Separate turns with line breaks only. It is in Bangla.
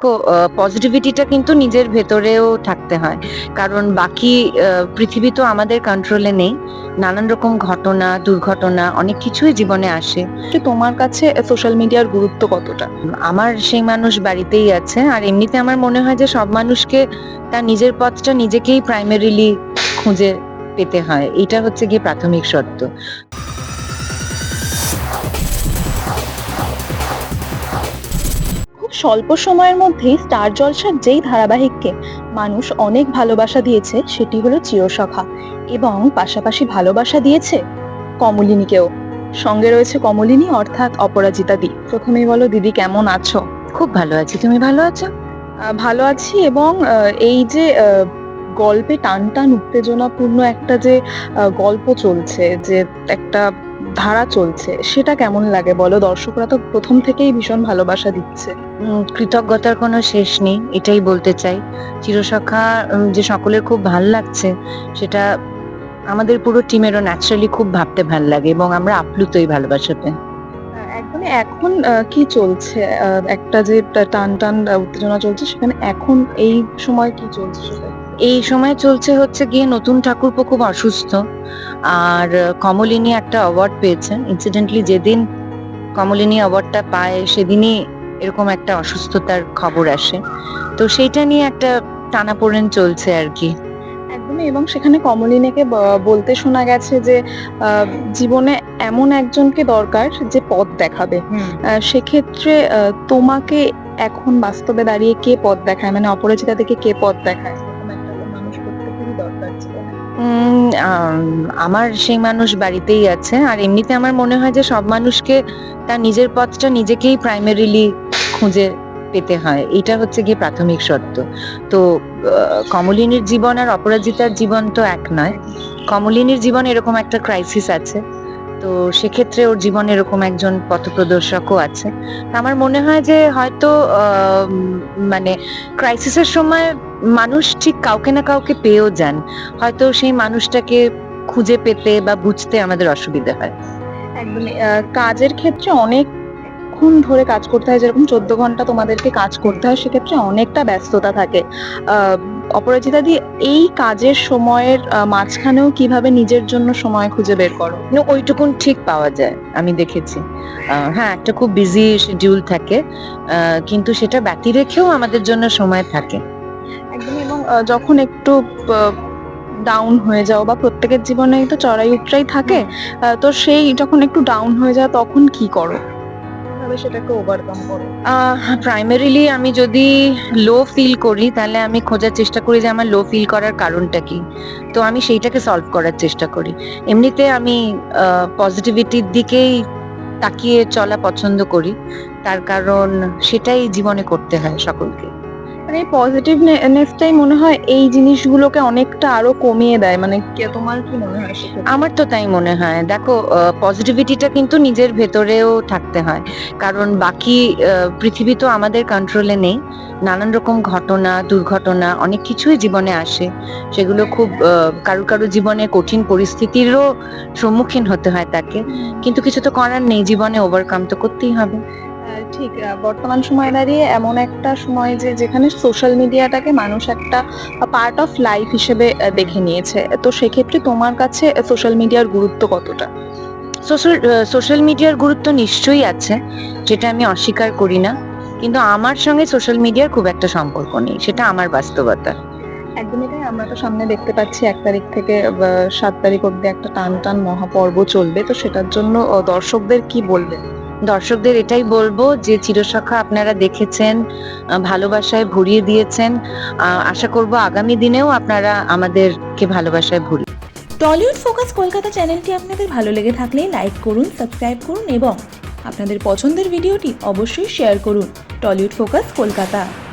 দেখো, পজিটিভিটিটা কিন্তু নিজের ভেতরেও থাকতে হয়, কারণ বাকি পৃথিবী তো আমাদের কন্ট্রোলে নেই। নানান রকম ঘটনা, দুর্ঘটনা অনেক কিছুই জীবনে আসে।
যে তোমার কাছে সোশ্যাল মিডিয়ার গুরুত্ব কতটা?
আমার সেই মানুষ বাড়িতেই আছে, আর এমনিতে আমার মনে হয় যে সব মানুষকে তার নিজের পথটা নিজেকেই প্রাইমারিলি খুঁজে পেতে হয়। এটা হচ্ছে গিয়ে প্রাথমিক সত্য।
খুব স্বল্প সময়ের মধ্যেই স্টার জলসার যেই ধারাবাহিককে মানুষ অনেক ভালোবাসা দিয়েছে সেটি হলো চিরসখা, এবং পাশাপাশি ভালোবাসা দিয়েছে কমলিনীকেও। সঙ্গে রয়েছে কমলিনী অর্থাৎ অপরাজিতা দি। প্রথমেই বলো দিদি, কেমন আছো?
খুব ভালো আছি, তুমি ভালো আছো?
ভালো আছি, এবং এই যে গল্পে টান টান উত্তেজনাপূর্ণ একটা যে গল্প চলছে, যে একটা ধারা চলছে, সেটা কেমন লাগে বলো? দর্শকরা তো প্রথম থেকেই ভীষণ ভালোবাসা দিচ্ছে।
কৃতজ্ঞতার কোনো শেষ নেই, এটাই বলতে চাই। চিরসখা যে সকলের খুব ভাল লাগছে, সেটা আমাদের পুরো টিমেরও ন্যাচারালি খুব ভাবতে ভাল লাগে, এবং আমরা আপ্লুত এই ভালোবাসাতে।
একদমই। এখন কি চলছে? একটা যে টান টান উত্তেজনা চলছে, সেখানে এখন এই সময় কি চলছে সেটা?
এই সময় চলছে হচ্ছে গিয়ে নতুন ঠাকুরপো খুব অসুস্থ, আর কমলিনী একটা অ্যাওয়ার্ড পেয়েছে। ইনসিডেন্টলি যেদিন কমলিনী অ্যাওয়ার্ডটা পায় সেদিনই এরকম একটা অসুস্থতার খবর আসে, তো সেইটা নিয়ে একটা টানাপোড়েন চলছে আর কি।
একদমই। এবং সেখানে কমলিনীকে বলতে শোনা গেছে যে জীবনে এমন একজনকে দরকার যে পথ দেখাবে। সেক্ষেত্রে তোমাকে এখন বাস্তবে দাঁড়িয়ে কে পথ দেখায়? মানে অপরাজিতা থেকে কে পথ দেখায়? এরকম একটা মানুষ প্রত্যেকেরই দরকার জীবনে।
আমার সেই মানুষ বাড়িতেই আছে, আর এমনিতে আমার মনে হয় যে সব মানুষকে তার নিজের পথটা নিজেকেই প্রাইমারিলি খুঁজে পেতে হয়। এটা হচ্ছে গিয়ে প্রাথমিক সত্য। তো কমলিনীর জীবন আর অপরাজিতার জীবন তো এক নয়। কমলিনীর জীবন এরকম একটা ক্রাইসিস আছে, তো সেক্ষেত্রে ওর জীবনে এরকম একজন পথপ্রদর্শকও আছে। আমার মনে হয় যে হয়তো মানে ক্রাইসিসের সময় মানুষ ঠিক কাউকে না কাউকে পেয়েও যান, হয়তো সেই মানুষটাকে খুঁজে পেতে বা বুঝতে আমাদের অসুবিধা হয়।
একদমই। কাজের ক্ষেত্রে অনেকক্ষণ ধরে কাজ করতে হয়, যেরকম 14 ঘন্টা তোমাদেরকে কাজ করতে হয়, সেক্ষেত্রে অনেকটা ব্যস্ততা থাকে। আহ, অপরাজিতা দি, এই কাজের সময়ের মাঝখানেও কিভাবে নিজের জন্য সময় খুঁজে বের করো?
ওইটুকুন ঠিক পাওয়া যায়, আমি দেখেছি। হ্যাঁ, একটা খুব বিজি শিডিউল থাকে, কিন্তু সেটা ব্যতি রেখেও আমাদের জন্য সময় থাকে।
একদমই। এবং যখন একটু ডাউন হয়ে যাও, বা প্রত্যেকের জীবনেই তো চড়াই উতরাই থাকে, তো সেই যখন একটু ডাউন হয়ে যায় তখন কি করো? কিভাবে সেটাকে ওভারকাম করো?
প্রাইমারিলি আমি যদি লো ফিল করি, তাহলে আমি খোঁজার চেষ্টা করি যে আমার লো ফিল করার কারণটা কি, তো আমি সেইটাকে সলভ করার চেষ্টা করি। এমনিতে আমি পজিটিভিটির দিকেই তাকিয়ে চলা পছন্দ করি, তার কারণ সেটাই জীবনে করতে হয় সকলকে।
মানে এই পজিটিভনেসটাই মনে হয় এই জিনিসগুলোকে অনেকটা আরো কমিয়ে দেয়। মানে তোমার কি মনে হয় সেক্ষেত্রে?
আমার তো তাই মনে হয়। দেখো, পজিটিভিটিটা কিন্তু নিজের ভেতরেও থাকতে হয়, কারণ বাকি পৃথিবী তো আমাদের কন্ট্রোলে নেই। নানান রকম ঘটনা, দুর্ঘটনা অনেক কিছুই জীবনে আসে, সেগুলো খুব কারুর কারুর জীবনে কঠিন পরিস্থিতিরও সম্মুখীন হতে হয় তাকে, কিন্তু কিছু তো করার নেই, জীবনে ওভারকাম তো করতেই হবে।
ঠিক। বর্তমান সময়ে দাঁড়িয়ে এমন একটা সময় যে যেখানে সোশ্যাল মিডিয়াটাকে মানুষ একটা পার্ট অফ লাইফ হিসেবে দেখে নিয়েছে, তো সেক্ষেত্রে তোমার কাছে সোশ্যাল মিডিয়ার গুরুত্ব কতটা?
সোশ্যাল মিডিয়ার গুরুত্ব নিশ্চয়ই আছে, যেটা আমি অস্বীকার করি না, কিন্তু আমার সঙ্গে সোশ্যাল মিডিয়ার খুব একটা সম্পর্ক নেই, সেটা আমার বাস্তবতা।
একদমই তাই। আমরা তো সামনে দেখতে পাচ্ছি 1 তারিখ থেকে 7 তারিখ অব্দি একটা টান টান মহাপর্ব চলবে, তো সেটার জন্য দর্শকদের কি বলবেন?
দর্শকদের এটাই বলবো যে চিরসখা আপনারা দেখেছেন, ভালোবাসায় ভরিয়ে দিয়েছেন, আশা করব আগামী দিনেও আপনারা আমাদেরকে ভালোবাসায় ভরিয়ে।
টলিউড ফোকাস কলকাতা চ্যানেলটি আপনাদের ভালো লেগে থাকলে লাইক করুন, সাবস্ক্রাইব করুন এবং আপনাদের পছন্দের ভিডিওটি অবশ্যই শেয়ার করুন। Tollywood focus Kolkata.